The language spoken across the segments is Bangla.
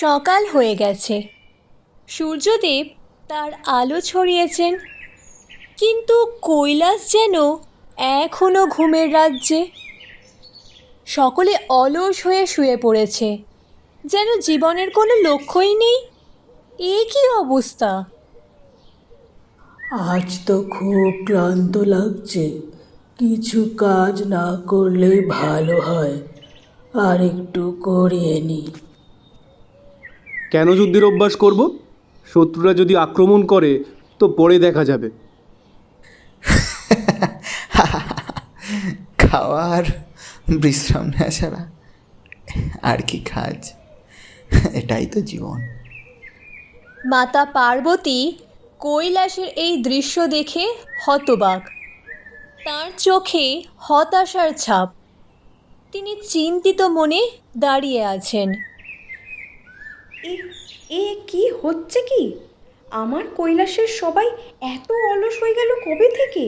সকাল হয়ে গেছে। সূর্যদেব তার আলো ছড়িয়েছেন, কিন্তু কৈলাস যেন এখনো ঘুমের রাজ্যে। সকলে অলস হয়ে শুয়ে পড়েছে, যেন জীবনের কোনো লক্ষ্যই নেই। এ কী অবস্থা! আজ তো খুব ক্লান্ত লাগছে। কিছু কাজ না করলেই ভালো হয়। আর একটু করিয়ে নি। কেন যুদ্ধের অভ্যাস করব? শত্রুরা যদি আক্রমণ করে তো পরে দেখা যাবে। খাওয়ার বিশ্রাম নেওয়া ছাড়া আর কি কাজ? এটাই তো জীবন। মাতা পার্বতী কৈলাসের এই দৃশ্য দেখে হতবাক। তার চোখে হতাশার ছাপ। তিনি চিন্তিত মনে দাঁড়িয়ে আছেন। এ এ কি হচ্ছে কি? আমার কৈলাসের সবাই এত অলস হয়ে গেল কবে থেকে?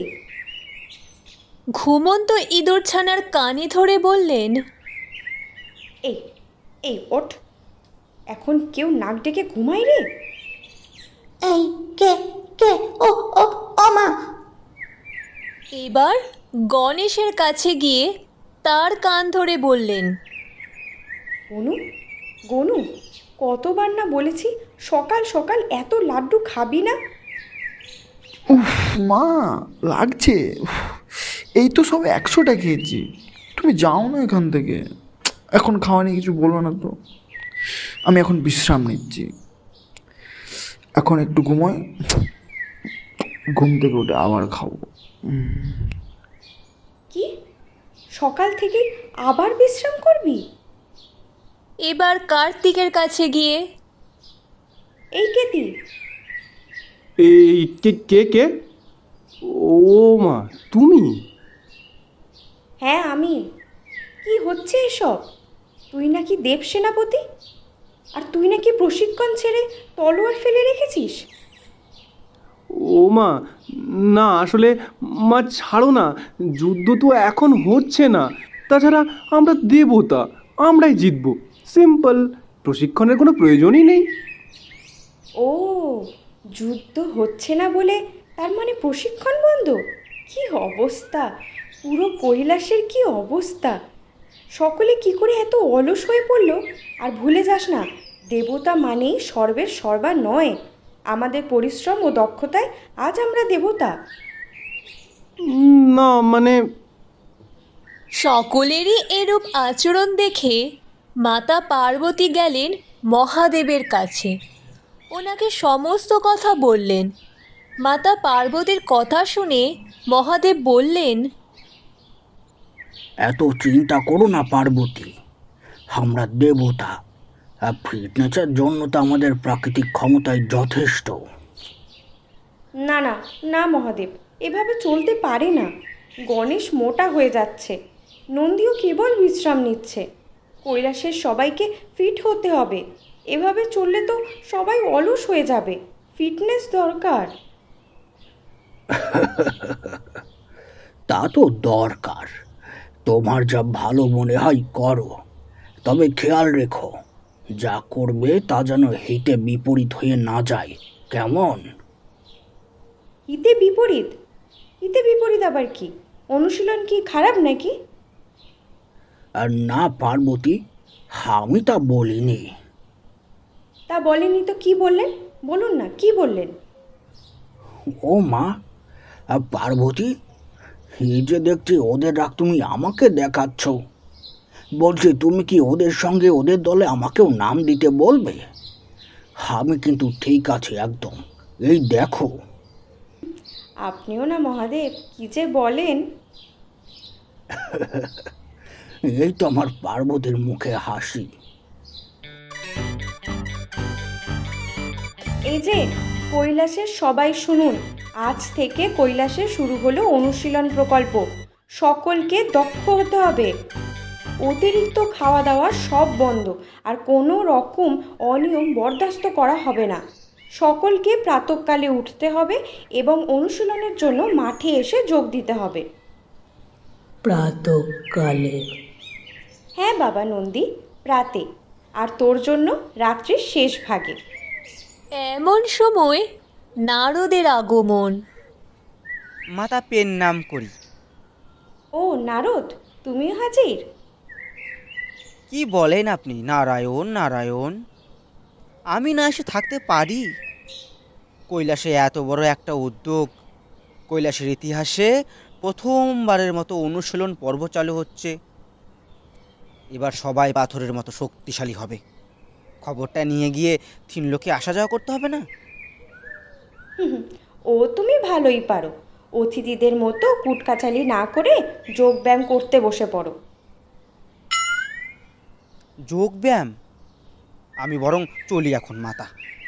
ঘুমন্ত ইঁদুরছানার কানে ধরে বললেন, এই এই ওঠ, এখন কেউ নাক ডেকে ঘুমায় রে? এই কে কে ও ও ও মা! এবার গণেশের কাছে গিয়ে তার কান ধরে বললেন, গনু, গনু, কতবার না বলেছি সকাল সকাল এত লাড্ডু খাবি না। মা, লাগছে। এই তো সব 100টা খেয়েছি। তুমি যাও না এখান থেকে। এখন খাওয়া নিয়ে কিছু বলো না তো। আমি এখন বিশ্রাম নিচ্ছি। এখন একটু ঘুমোই, ঘুম থেকে উঠে আবার খাবো। কি, সকাল থেকে আবার বিশ্রাম করবি? এবার কার্তিকের কাছে গিয়ে, এই কেতি, এই কে কে কে? ও মা, তুমি? হ্যাঁ আমি। কি হচ্ছে এসব? তুই নাকি দেব সেনাপতি, আর তুই নাকি প্রশিক্ষণ ছেড়ে তলোয়ার ফেলে রেখেছিস? ও মা, না আসলে মা ছাড়ো না। যুদ্ধ তো এখন হচ্ছে না। তাছাড়া আমরা দেবতা, আমরাই জিতব। সিম্পল। প্রশিক্ষণের কোনো প্রয়োজনই নেই। ও, যুদ্ধ হচ্ছে না বলে তার মানে প্রশিক্ষণ বন্ধ? কি অবস্থা! পুরো কৈলাসের কি অবস্থা! সকলে কি করে এত অলস হয়ে পড়ল! আর ভুলে যাস না, দেবতা মানেই সর্বের সর্বা নয়। আমাদের পরিশ্রম ও দক্ষতায় আজ আমরা দেবতা। না মানে সকলেরই এরূপ আচরণ দেখে মাতা পার্বতী গেলেন মহাদেবের কাছে। ওনাকে সমস্ত কথা বললেন। মাতা পার্বতীর কথা শুনে মহাদেব বললেন, এত চিন্তা করো না পার্বতী, আমরা দেবতা। আর ফিটনেসের জন্য তো আমাদের প্রাকৃতিক ক্ষমতাই যথেষ্ট। না না না মহাদেব, এভাবে চলতে পারে না। গণেশ মোটা হয়ে যাচ্ছে, নন্দীও কেবল বিশ্রাম নিচ্ছে। কৈলাসের সবাইকে ফিট হতে হবে। এভাবে চললে তো সবাই অলস হয়ে যাবে। ফিটনেস দরকার। তা তো দরকার। তোমার যা ভালো মনে হয় করো, তবে খেয়াল রেখো যা করবে তা যেন হিতে বিপরীত হয়ে না যায়। কেমন? হিতে বিপরীত? হিতে বিপরীত আবার কি? অনুশীলন কি খারাপ নাকি? আর না পার্বতী, আমি তা বলিনি। তা বলেনি তো কি বললেন? বলুন না, কি বললেন? ও মা, আর পার্বতী, এই যে দেখছি ওদের রাগ তুমি আমাকে দেখাচ্ছ। বলছি, তুমি কি ওদের সঙ্গে ওদের দলে আমাকেও নাম দিতে বলবে? আমি কিন্তু ঠিক আছে একদম। এই দেখো। আপনিও না মহাদেব, কি যে বলেন! এই তো আমার পার্বতীর মুখে হাসি। এই যে কৈলাসের সবাই শুনুন, আজ থেকে কৈলাসে শুরু হলো অনুশীলন প্রকল্প। সকলকে দক্ষ হতে হবে। অতিরিক্ত খাওয়া দাওয়া সব বন্ধ, আর কোনো রকম অনিয়ম বরদাস্ত করা হবে না। সকলকে প্রাতঃকালে উঠতে হবে এবং অনুশীলনের জন্য মাঠে এসে যোগ দিতে হবে। প্রাতঃকালে? হ্যাঁ বাবা নন্দী, প্রাতে। আর তোর জন্য রাত্রির শেষ ভাগে। এমন সময় নারদের আগমন। মাতা পেন নাম করি। ও নারদ, তুমিও হাজির? কি বলেন আপনি? নারায়ণ নারায়ণ, আমি না এসে থাকতে পারি? কৈলাসে এত বড় একটা উদ্যোগ, কৈলাসের ইতিহাসে প্রথমবারের মতো অনুশীলন পর্ব চালু হচ্ছে। এবার সবাই পাথরের মতো শক্তিশালী হবে। খবরটা নিয়ে গিয়ে তিনলোকে আসা যাওয়া করতে হবে না? ও তুমি ভালোই পারো। অতিথিদের মতো কুটকাচালি না করে যোগব্যায়াম করতে বসে পড়ো। যোগব্যায়াম? আমি বরং চলি এখন মাতা।